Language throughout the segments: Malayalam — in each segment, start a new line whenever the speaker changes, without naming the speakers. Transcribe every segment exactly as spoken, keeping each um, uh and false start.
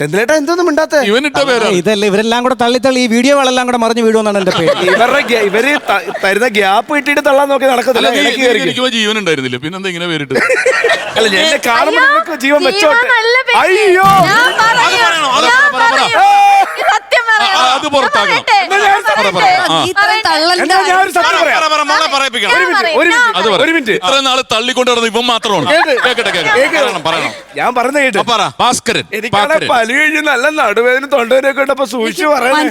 എന്തിലേട്ടാ എന്തൊന്നും മിണ്ടാത്ത
ഇവനിട്ട പേരാണ്.
ഇതല്ല ഇവരെല്ലാം കൂടെ തള്ളി തള്ളി ഈ വീഡിയോകളെല്ലാം കൂടെ മറിഞ്ഞു വീഴുമെന്നാണ് എന്റെ പേര്.
ഇവരുടെ ഇവര് തരുന്ന ഗ്യാപ്പ് ഇട്ടിട്ട് തള്ളാൻ നോക്കി നടക്കത്തില്ല.
എനിക്ക് ജീവൻ ഉണ്ടായിരുന്നില്ല, പിന്നെന്താ ഇങ്ങനെ പേരിട്ട്?
അല്ല എന്നെ കാണുമ്പോൾ നിങ്ങൾക്ക് ജീവൻ വെച്ചോട്ടെ. അയ്യോ
അത് പുറത്താക്കണം.
ഒരു മിനിറ്റ്,
ഇത്ര നാള് തള്ളിക്കൊണ്ട് നടന്നത് ഇവൻ മാത്രമാണ്.
ഞാൻ പറഞ്ഞ കേട്ടു.
ഭാസ്കരൻ
എനിക്കാണ് പലി കഴിഞ്ഞ് നല്ല നടുവേദന തൊണ്ടവേനൊക്കെ ഉണ്ടപ്പോ സൂക്ഷിച്ചു പറയാൻ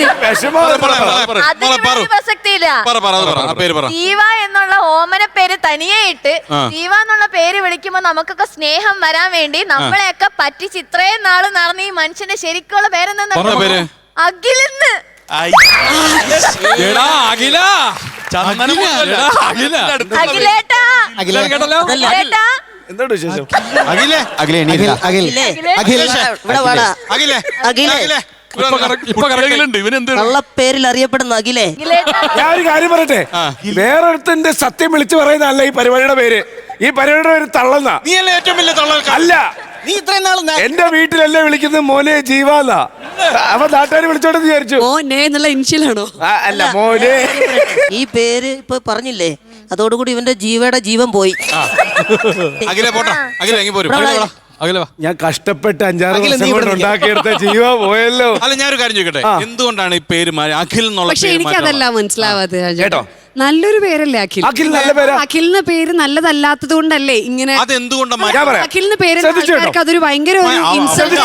ജീവ എന്നുള്ള ഓമന പേര് തനിയെ ഇട്ട് ജീവ എന്നുള്ള പേര് വിളിക്കുമ്പോ നമുക്കൊക്കെ സ്നേഹം വരാൻ വേണ്ടി നമ്മളെയൊക്കെ പറ്റിച്ച് ഇത്രയും നാള് നടന്ന ഈ മനുഷ്യന്റെ ശരിക്കുള്ള പേരെന്താ? അഖിലെന്ന്. അഖിലേട്ടാ
എന്താണ് വിശേഷം?
അഖിലേ അഖിലേ അഖിലേ
അഖിലേ
ഇവനെന്ത്
പേരിൽ അറിയപ്പെടുന്ന അഖിലേ.
ഞാൻ ഒരു കാര്യം പറയട്ടെ, വേറൊരുത്തിന്റെ സത്യം വിളിച്ചു പറയുന്നതല്ല ഈ പരിപാടിയുടെ പേര്. ഈ പരിപാടിയുടെ പേര് തള്ളന്ന.
നീയല്ലേ ഏറ്റവും വലിയ തള്ള?
അല്ല,
നീ ഇത്രയും നാൾ
എന്റെ വീട്ടിലല്ലേ വിളിക്കുന്നത് മോനെ ജീവാന്നാ. അപ്പൊ നാട്ടുകാർ വിളിച്ചോട്ടെന്ന് വിചാരിച്ചു.
മോനെ എന്നുള്ള ഇൻഷ്യലാണോ?
അല്ല മോനെ.
ഈ പേര് ഇപ്പൊ പറഞ്ഞില്ലേ, അതോടുകൂടി ഇവന്റെ ജീവയുടെ ജീവൻ പോയി.
അഖിലേ പോട്ടെ, അഖിലേ എങ്കിൽ പോരും.
ഞാൻ കഷ്ടപ്പെട്ട് അഞ്ചാറ് ദിവസം കൊണ്ട് ഉണ്ടാക്കിയെടുത്ത ജീവ പോയല്ലോ.
അല്ല, ഞാനൊരു കാര്യം ചോദിക്കട്ടെ, എന്തുകൊണ്ടാണ് ഈ പേര് അഖിൽ എന്നുള്ള?
പക്ഷെ എനിക്ക് അതല്ല മനസ്സിലാവാതെ
കേട്ടോ,
നല്ലൊരു പേരല്ലേ അഖിൽ?
അഖിൽ നല്ല പേരാ.
അഖിലിന് പേര് നല്ലതല്ലാത്തത് കൊണ്ടല്ലേ ഇങ്ങനെ?
അതെന്തുകൊണ്ടാണ്
അഖിലിന് പേര് അതൊരു ഭയങ്കര ഇൻസൾട്ട്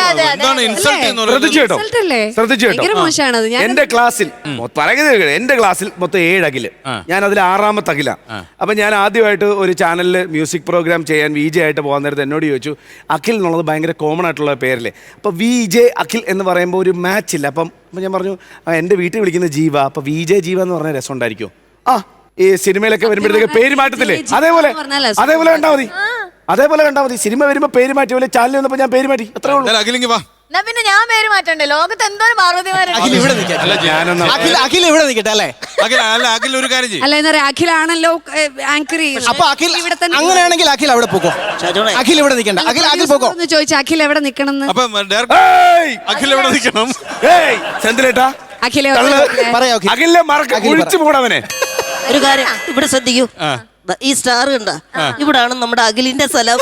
അല്ലേ? ഭയങ്കര മോശമാണത്.
എന്റെ ക്ലാസ്സിൽ പറയുന്നത് എന്റെ ക്ലാസ്സിൽ മൊത്തം ഏഴ് അഖില്, ഞാൻ അതിൽ ആറാമത്തെ അഖില. അപ്പൊ ഞാൻ ആദ്യമായിട്ട് ഒരു ചാനലിൽ മ്യൂസിക് പ്രോഗ്രാം ചെയ്യാൻ വി ജെ ആയിട്ട് പോകാൻ നേരത്തെ എന്നോട് ചോദിച്ചു, അഖിൽ എന്നുള്ളത് ഭയങ്കര കോമൺ ആയിട്ടുള്ള പേരല്ലേ, അപ്പൊ വി ജെ അഖിൽ എന്ന് പറയുമ്പോൾ ഒരു മാച്ച് ഇല്ല. അപ്പം അപ്പം ഞാൻ പറഞ്ഞു, എൻ്റെ വീട്ടിൽ വിളിക്കുന്ന ജീവ, അപ്പൊ വി ജെ ജീവ എന്ന് പറഞ്ഞ രസം ഉണ്ടായിരിക്കും. ആ ഈ സിനിമയിലൊക്കെ വരുമ്പോഴത്തേക്ക് പേര് മാറ്റത്തില്ലേ, അതേപോലെ അതേപോലെ കണ്ടാ മതി, അതേപോലെ കണ്ടാ മതി. സിനിമ വരുമ്പോ പേര് മാറ്റി പോലെ ചാനൽ വന്നപ്പോ ഞാൻ പേര് മാറ്റി, അത്രേ ഉള്ളൂ.
പിന്നെ ഞാൻ പേര് മാറ്റണ്ടേ? ലോകത്ത് എന്തോരം പാർവതിമാരുണ്ട്.
അഖിൽ ഇവിടെ നിൽക്കട്ടെ അല്ലേ?
അഖിൽ ഒരു കാര്യം ചെയ്യും.
അല്ല എന്നാ പറയാ, അഖിലാണല്ലോ ആങ്കർ.
അപ്പൊ അഖിൽ അങ്ങനെയാണെങ്കിൽ അഖിൽ അവിടെ പോകോ. അഖിൽ ഇവിടെ നിൽക്കണ്ട, അഖിൽ അഖിൽ പോകോ.
ചോദിച്ചു അഖിൽ എവിടെ നിക്കണം?
അഖിൽ എവിടെ നിൽക്കണം?
സെന്തിലേട്ടാ
അഖിലെ
അഖിലെ ഒഴിച്ചു പോണവനെ.
ഒരു കാര്യം ഇവിടെ ശ്രദ്ധിക്കൂ, ഈ സ്റ്റാർ കണ്ട, ഇവിടാണ് നമ്മുടെ അഖിലിന്റെ സ്ഥലം.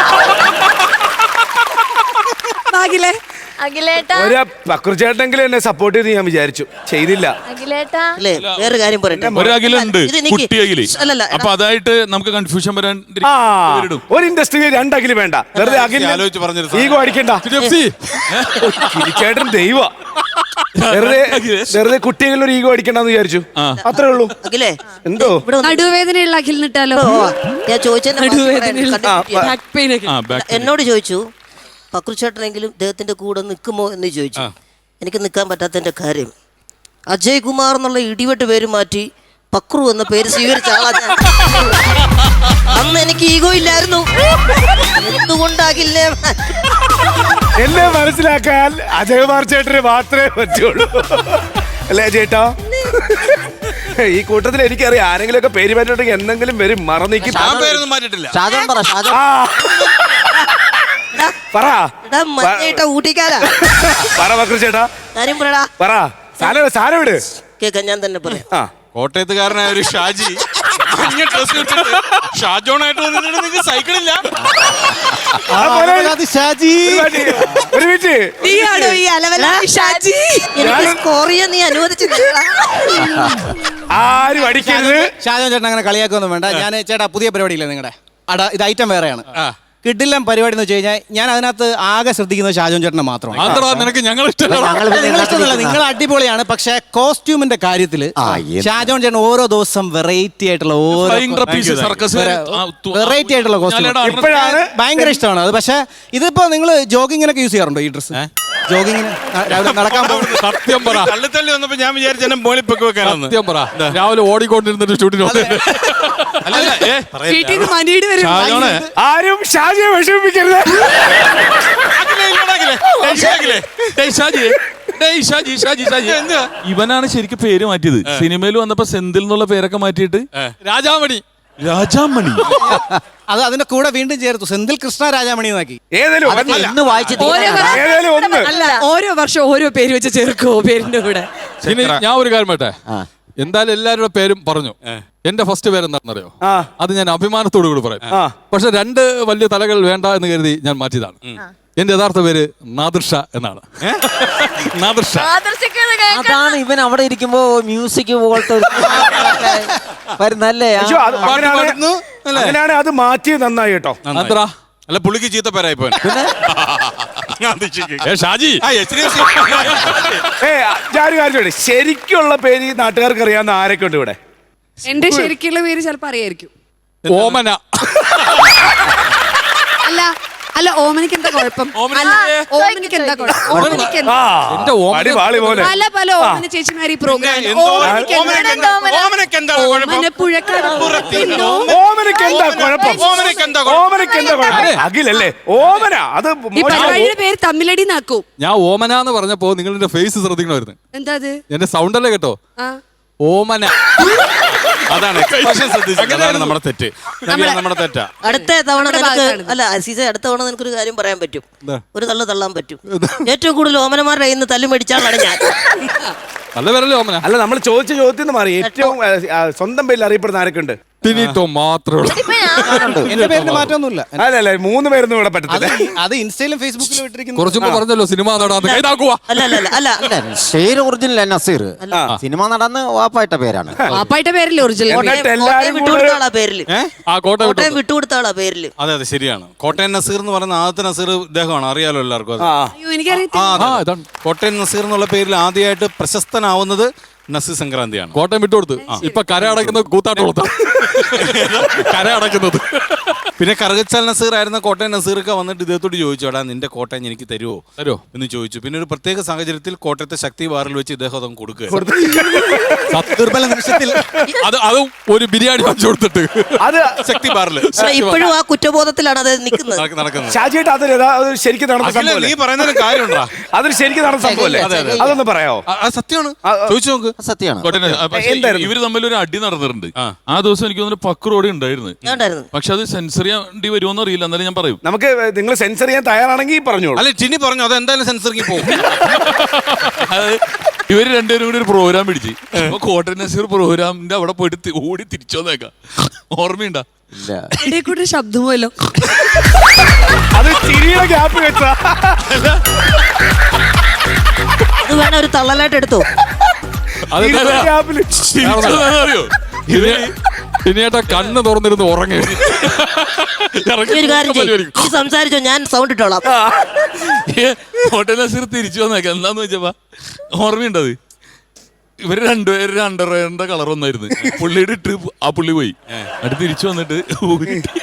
അഖിലേ അഖിലേട്ടാ,
ഒരു പക്രുചേട്ടെങ്കിലും എന്നെ സപ്പോർട്ട് ചെയ്ത് ഞാൻ വിചാരിച്ചു, ചെയ്തില്ല.
അഖിലേട്ടാ
അല്ലേ, വേറെ കാര്യം പറയട്ടെ,
ഒരു അഖിലുണ്ട്, കുട്ടി അഖില്.
അല്ലല്ല,
അപ്പൊ അതായിട്ട് നമുക്ക് കൺഫ്യൂഷൻ വരാൻ
ഒരു ഇൻഡസ്ട്രിയിൽ രണ്ട് അഖില് വേണ്ട. വെറുതെ അഖിൽ ഈഗോ അടിക്കണ്ട. ചേട്ടൻ ദൈവ വെറുതെ വെറുതെ കുട്ടികളിൽ ഒരു ഈഗോ അടിക്കണ്ടെന്ന് വിചാരിച്ചു, അത്രേ ഉള്ളൂ.
അഖിലേ
എന്തോ
നടുവേദനയുള്ള അഖിൽ നിട്ടാലോ?
ഞാൻ ചോദിച്ചതിന്റെ
നടുവേദന
എന്നോട് ചോദിച്ചു, പക്രുചേട്ടനെങ്കിലും ഇദ്ദേഹത്തിന്റെ കൂടെ നിൽക്കുമോ എന്ന് ചോദിച്ചു. എനിക്ക് നിൽക്കാൻ പറ്റാത്തതിന്റെ കാര്യം, അജയ് കുമാർ എന്നുള്ള ഇടിവെട്ട് പേര് മാറ്റി പക്രു എന്ന പേര് സ്വീകരിച്ച ആളാ ഞാൻ. അന്ന് എനിക്ക് ഈഗോ ഇല്ലായിരുന്നു. എന്തുകൊണ്ടാകില്ല
എന്നെ മനസ്സിലാക്കാൻ അജയകുമാർ ചേട്ടന് മാത്രമേ പറ്റുള്ളൂ, അല്ലേ ചേട്ടാ? ഈ കൂട്ടത്തിൽ എനിക്കറിയാം, ആരെങ്കിലും ഒക്കെ പേര് മാറ്റിട്ടുണ്ടെങ്കിൽ എന്തെങ്കിലും വരും മറന്നേക്ക്.
പേരൊന്നും മാറ്റിട്ടില്ല.
ഊട്ടിക്കാരാ
പറ പക്രു ചേട്ടാ,
കാര്യം പറയടാ.
പറ. സാധനം സാധനം വിട്,
കേൾക്കാൻ ഞാൻ തന്നെ പറയാം.
കോട്ടയത്തുകാരനായ ഒരു ഷാജി ഷാജോണായിട്ട് വന്നിട്ട് സൈക്കിളില്ല.
ഒരു മിനിറ്റ്,
സ്കോർ ചെയ്യാൻ നീ അനുവദിച്ചില്ല.
ആരും അടിക്കരുത്.
ഷാജോൻ ചേട്ടൻ അങ്ങനെ കളിയാക്കൊന്നും വേണ്ട. ഞാൻ ചേട്ടാ പുതിയ പരിപാടിയില്ലേ നിങ്ങളുടെ, അടാ ഇത് ഐറ്റം വേറെയാണ്. കിഡിലം പരിപാടി എന്ന് വെച്ച് കഴിഞ്ഞാൽ ഞാൻ അതിനകത്ത് ആകെ ശ്രദ്ധിക്കുന്നത് ഷാജോൻ ചേട്ടനെ മാത്രമാണ്.
നിനക്ക് ഞങ്ങൾ
ഇഷ്ടമല്ല, നിങ്ങൾ അടിപൊളിയാണ്. പക്ഷെ കോസ്റ്റ്യൂമിന്റെ കാര്യത്തിൽ ഷാജോൻ ചേട്ടൻ ഓരോ ദിവസം വെറൈറ്റി ആയിട്ടുള്ള ഓരോ വെറൈറ്റി ആയിട്ടുള്ള കോസ്റ്റ്യൂം ഭയങ്കര ഇഷ്ടമാണ് അത്. പക്ഷെ ഇതിപ്പോ നിങ്ങൾ ജോഗിങ്ങിനൊക്കെ യൂസ് ചെയ്യാറുണ്ടോ ഈ ഡ്രസ്സ്? ജോഗിങ്ങിന് രാവിലെ നടക്കാൻ പോകുന്നത്?
സത്യം പറ, തള്ളി വന്നപ്പോ ഞാൻ വിചാരിച്ചു മോളിൽ പൊക്കി വെക്കാനാണ്. സത്യം പറ, രാവിലെ ഓടിക്കൊണ്ടിരുന്നിട്ട് ഷൂട്ടിന്
ആരും ഷാജിയെ വിഷമിപ്പിക്കരുത്.
ഇവനാണ് ശരിക്കും പേര് മാറ്റിയത്. സിനിമയിൽ വന്നപ്പോ സെന്തിൽ എന്നുള്ള പേരൊക്കെ മാറ്റിയിട്ട് രാജാമണി രാജാമണി.
അത് അതിന്റെ കൂടെ വീണ്ടും ചേർത്തു സെന്തിൽ കൃഷ്ണ രാജാമണി എന്നാക്കി.
ഏതേലും ഒന്നല്ല.
എന്ന് വായിച്ച്
ഓരോ വർഷം-
ഏതേലും ഒന്ന്.
അല്ല ഓരോ വർഷം ഓരോ പേര് വെച്ച് ചേർക്കോ പേരിന്റെ കൂടെ.
ഇനി ഞാൻ ഒരു കാര്യം പറയട്ടെ, എന്തായാലും എല്ലാവരുടെ പേരും പറഞ്ഞു. എന്റെ ഫസ്റ്റ് പേര് എന്താണെന്നറിയോ?
ആ.
അത് ഞാൻ അഭിമാനത്തോടു കൂടി പറയും.
ആ.
പക്ഷെ രണ്ട് വലിയ തലകൾ വേണ്ട എന്ന് കരുതി ഞാൻ മാറ്റിയതാണ്. എന്റെ യഥാർത്ഥ പേര് നാദിർഷ എന്നാണ്. നാദിർഷ.
ആദർശിക്കുന്നത് കേൾക്കാൻ
അതാണ് ഇവൻ അവിടെ ഇരിക്കുമ്പോ മ്യൂസിക് പോലത്തെ വരുന്നല്ലേ
അയ്യോ, അത് അങ്ങനെയാണ്-
പാടുന്നു, അല്ലേ?
അങ്ങനെയാണ് അത് മാറ്റിയത് നന്നായി കേട്ടോ.
നാദിറ.
അല്ല പുള്ളിക്ക് ചീത്ത പേരായി പോയി.
ഏ ഷാജി.
ഏ ഞാൻ കാര്യം ചോദിക്കട്ടെ, ശരിക്കുള്ള പേര് ഈ നാട്ടുകാർക്ക് അറിയാവുന്ന ആരൊക്കെ ഉണ്ട് ഇവിടെ?
എന്റെ ശരിക്കുള്ള പേര് ചിലപ്പോ അറിയായിരിക്കും.
ഓമന.
അല്ല അല്ല ഓമനിക്ക് എന്താ കുഴപ്പം? അല്ല ഓമനിക്ക് എന്താ കുഴപ്പം? ഓമനിക്ക് എന്താ?
ആ,
എന്റെ ഓമന-
അടി പാളി പോലെ.
പല പല ഓമന ചേച്ചിമാർ ഈ പ്രോഗ്രാം
എന്തോ-
ഓമനിക്ക്
ഓമനക്ക് എന്താ- ഓമനക്ക് എന്താ കുഴപ്പം?
ഓമന പുഴക്കാട് പിന്നോ
ഓമനക്ക് എന്താ കുഴപ്പം?
ഓമനക്ക് എന്താ കുഴപ്പം?
ഓമനക്ക് എന്താ കുഴപ്പം? അഖിലല്ലേ ഓമന? അത്
ഈ
മോശം.
പരിപാടിയുടെ പേര് തമ്മിലടി നാക്കൂ.
ഞാൻ ഓമന എന്ന് പറഞ്ഞപ്പോ നിങ്ങൾ എന്റെ ഫേസ് ശ്രദ്ധിക്കണമായിരുന്നു.
എന്താ അത്?
എന്റെ സൗണ്ട് അല്ലേ കേട്ടോ?
ആ
ഓമന.
അതാണ് expression ശ്രദ്ധിച്ചത്. അതാണ് നമ്മുടെ തെറ്റ്. നവ്യ, നമ്മുടെ തെറ്റാ.
അടുത്ത തവണ
നമ്മുടെ
നിനക്ക്
ഭാഗത്താണ്.
അല്ല അസീസ, അടുത്ത തവണ നിനക്കൊരു കാര്യം പറയാൻ പറ്റും.
എന്താ?
ഒരു തള്ളു തള്ളാൻ പറ്റും. ഏറ്റവും കൂടുതൽ ഓമനമാരുടെ കയ്യിൽ നിന്ന് തല്ലു മേടിച്ചാലാണ് ഞാൻ.
നല്ല പേരല്ലേ ഓമന?
അല്ല നമ്മൾ ചോദിച്ച ചോദ്യത്തിൽ നിന്ന് മാറി ഏറ്റവും ആ, ആ, സ്വന്തം പേരിൽ അറിയപ്പെടുന്ന ആരൊക്കെ ഉണ്ട്?
ടിനിട്ടോ മാത്രമേ ഉള്ളൂ.
ഇപ്പൊ ഞാൻ
എന്റെ പേരിന് മാറ്റമൊന്നുമില്ല.
അല്ല അല്ല മൂന്ന് പേരൊന്നും ഇവിടെ
അത്
പറ്റത്തില്ല.
അത് ഇൻസ്റ്റയിലും ഫേസ്ബുക്കിലും ഇട്ടിരിക്കുന്നു.
കുറച്ചുമ്പോ പറഞ്ഞല്ലോ സിനിമ നടാന്ന് കൈതാക്കുവാ.
അല്ല അല്ല അല്ല അല്ല
പേര് ഒറിജിനൽ നസീർ. സിനിമ നടന്ന് വാപ്പായിട്ട പേരാണ്.
പാപ്പായിട്ട് പേരല്ലേ ഒറിജിനൽ?
എന്നിട്ട്
കോട്ടയം
എല്ലാരും കൂടെ
വിട്ടുകൊടുത്ത ആളാ പേരില്.
ആ കോട്ട വിട്ടു.
കോട്ടയം വിട്ടുകൊടുത്ത ആളാ പേരില്.
അതെ അതെ ശരിയാണ്. കോട്ടയം നസീർ എന്ന് പറയുന്ന ആദ്യത്തെ നസീർ ഇദ്ദേഹമാണ്. അറിയാലോ എല്ലാവർക്കും അത്.
ആ
അയ്യോ എനിക്കറിയത്തില്ല.
ആ, അതെ.
ആ ഇതാണ്
കോട്ടയം നസീർ എന്നുള്ള പേരിൽ ആദ്യമായിട്ട് പ്രശസ്തനാവുന്നത് നസീർ സംക്രാന്തിയാണ്.
കോട്ടയം വിട്ടുകൊടുത്ത് ഇപ്പൊ കര അടയ്ക്കുന്നത് കൂത്താട്ടോളത്ത്. കര അടയ്ക്കുന്നത്.
പിന്നെ കറുകച്ചാൽ നസീർ ആയിരുന്ന കോട്ടയം നസീറൊക്കെ വന്നിട്ട് ഇദ്ദേഹത്തോട് ചോദിച്ചു, എടാ നിന്റെ കോട്ടയം എനിക്ക് തരുമോ
തരുമോ
എന്ന് ചോദിച്ചു. പിന്നെ ഒരു പ്രത്യേക സാഹചര്യത്തിൽ കോട്ടയത്തെ ശക്തി ബാറിൽ വെച്ച് ഇദ്ദേഹം അതങ്ങ് കൊടുക്കുക.
ദുർബല നിമിഷത്തിൽ
അത് അതും ഒരു ബിരിയാണി വാങ്ങിച്ചു കൊടുത്തിട്ട്.
അത്
ശക്തി ബാറിൽ
പക്ഷേ ഇപ്പോഴും ആ കുറ്റബോധത്തിലാണ് അത് നിൽക്കുന്നത്.
നടക്കുന്നത്.
ഷാജിയായിട്ട് അത് യഥാ- അത് ശരിക്കും നടന്ന
അഖില,
സംഭവം
നീ പറയുന്നതിന് കാര്യമുണ്ടാ?
അതൊരു ശരിക്കും നടന്ന സംഭവല്ലേ?
അതെ, അതെ.
അതൊന്ന് പറയാമോ?
അത് സത്യമാണ്.
ആ, ആ.
ചോദിച്ചു നോക്ക്.
സത്യമാണ്.
കോട്ടയം- ആ, പക്ഷേ
എന്തായിരുന്നു?
ഇവര് തമ്മിൽ ഒരു അടി നടന്നിട്ടുണ്ട്.
ആ.
ആ ദിവസം എനിക്ക് തോന്നുന്നു പക്രോടി ഉണ്ടായിരുന്നു.
ഞാൻ ഉണ്ടായിരുന്നു.
പക്ഷെ അത് സെൻസർ ചെയ്യേണ്ടി വരുമോന്ന് അറിയില്ല. എന്നാലും ഞാൻ പറയും.
നമുക്ക് നിങ്ങൾ സെൻസർ ചെയ്യാൻ തയ്യാറാണെങ്കിൽ പറഞ്ഞോളൂ.
അല്ലെ ടിനി പറഞ്ഞു അത് എന്തായാലും സെൻസറിങ് പോകും.
അത് ഇവര് രണ്ടുപേരും കൂടി ഒരു പ്രോഗ്രാം പിടിച്ച് അപ്പൊ കോട്ടയം നസീർ പ്രോഗ്രാമിന്റെ അവിടെ പോയിട്ട് തി- ഓടി തിരിച്ചു വന്നേക്കാം. ഓർമ്മയുണ്ടാ?
ഇല്ല.
ഇടയിൽ കൂടെ ശബ്ദമല്ലോ.
അത് ചിരിയുടെ ഗ്യാപ്പ് വെച്ചാ
അത് വേണം ഒരു തള്ളലായിട്ട് എടുത്തോ.
അത്
ചിരിയുടെ ഗ്യാപ്പില്
അറിയോ?
ഇനിയേട്ടാ കണ്ണ് തുറന്നിരുന്ന് ഉറങ്ങി.
ഈ ഒരു കാര്യം ചെയ്യ്. നീ സംസാരിച്ചോ, ഞാൻ സൗണ്ട് ഇട്ടോളാം.
കോട്ടയം നസീർ തിരിച്ചു വന്നേക്കാം. എന്താന്ന് വെച്ചപ്പാ ഓർമ്മയുണ്ടത്? ഇവര് രണ്ടുപേരും അണ്ടർവെയറിന്റെ കളർ ഒന്നായിരുന്നു. പുള്ളിയുടെ ഇട്ട് ആ പുള്ളി പോയി. അടുത്ത് തിരിച്ചു വന്നിട്ട് ഊരിട്ട്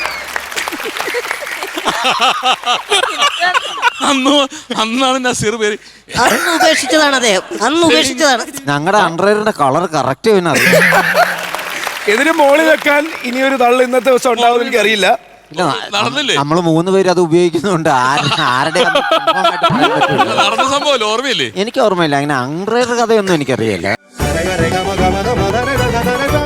അന്ന് അന്നാണ് നസീർ പേര്.
അന്ന് ഉപേക്ഷിച്ചതാണ് അദ്ദേഹം. അന്ന് ഉപേക്ഷിച്ചതാണ്.
ഞങ്ങളുടെ അണ്ടറിന്റെ കളർ കറക്റ്റ് പിന്നെ അറിയാം.
ഇതിന് മോളിൽ വെക്കാൻ ഇനിയൊരു തള്ളു ഇന്നത്തെ ദിവസം ഉണ്ടാവും എനിക്ക് അറിയില്ല.
നടന്നില്ലേ?
നമ്മൾ മൂന്ന് പേര് അത് ഉപയോഗിക്കുന്നുണ്ട്. ആര- ആരുടെ ആണെന്ന് confirm ആയിട്ട് പറയാൻ പറ്റൂല.
നടന്ന സംഭവം ഓർമ്മയില്ലേ?
എനിക്ക് ഓർമ്മയില്ല. അങ്ങനെ അണ്ടർ കഥയൊന്നും എനിക്കറിയില്ല.